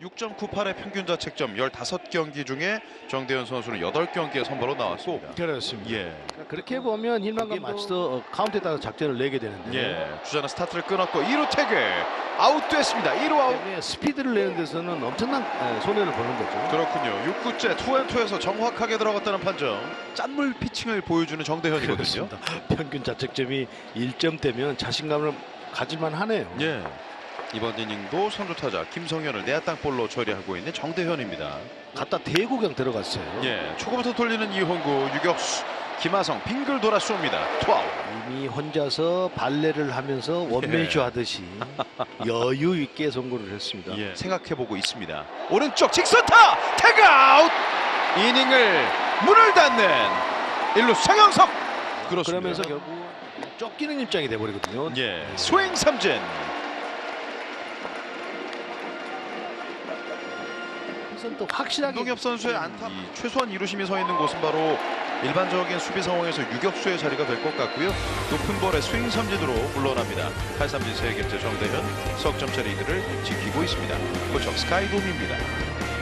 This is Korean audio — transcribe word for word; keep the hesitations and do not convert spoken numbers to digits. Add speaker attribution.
Speaker 1: 육 점 구팔의 평균 자책점 십오 경기 중에 정대현 선수는 여덟 경기에 선발로 나왔고
Speaker 2: 그렇습니다.
Speaker 1: 예.
Speaker 2: 그렇게 보면 힐만과 마치도 어, 카운트에 따라 작전을 내게 되는데
Speaker 1: 예. 주자는 스타트를 끊었고 이 루 태그 아웃됐습니다. 일 루 아웃.
Speaker 2: 때문에 스피드를 내는 데서는 엄청난 에, 손해를 보는 거죠.
Speaker 1: 그렇군요. 육 구째 투앤투에서 정확하게 들어갔다는 판정. 짠물 피칭을 보여주는 정대현이거든요.
Speaker 2: 그렇습니다. 평균 자책점이 일 점대면 자신감을 가질만 하네요.
Speaker 1: 예. 이번 이닝도 선두 타자 김성현을 내야 땅볼로 처리하고 있는 정대현입니다.
Speaker 2: 갖다 대고 그냥 들어갔어요.
Speaker 1: 예. 초구부터 돌리는 이홍구 유격수 김하성 빙글 돌아 쏩니다. 투아웃.
Speaker 2: 이미 혼자서 발레를 하면서 원맨쇼
Speaker 1: 예.
Speaker 2: 하듯이 여유 있게 송구를 했습니다.
Speaker 1: 예. 생각해보고 있습니다. 오른쪽 직선타 태그아웃. 이닝을 문을 닫는 일루 상영석. 그렇습니다.
Speaker 2: 그러면서 결국 쫓기는 입장이 돼버리거든요.
Speaker 1: 예. 스윙 삼진.
Speaker 2: 그래서 또 확실하게
Speaker 1: 김동엽 선수의 안타. 이 최소한 이루심이 서 있는 곳은 바로 일반적인 수비 상황에서 유격수의 자리가 될 것 같고요. 높은 볼의 스윙 삼진으로 물러납니다. 팔 삼진 세 개째 정대현 석점차 리드를 지키고 있습니다. 고척 스카이돔입니다.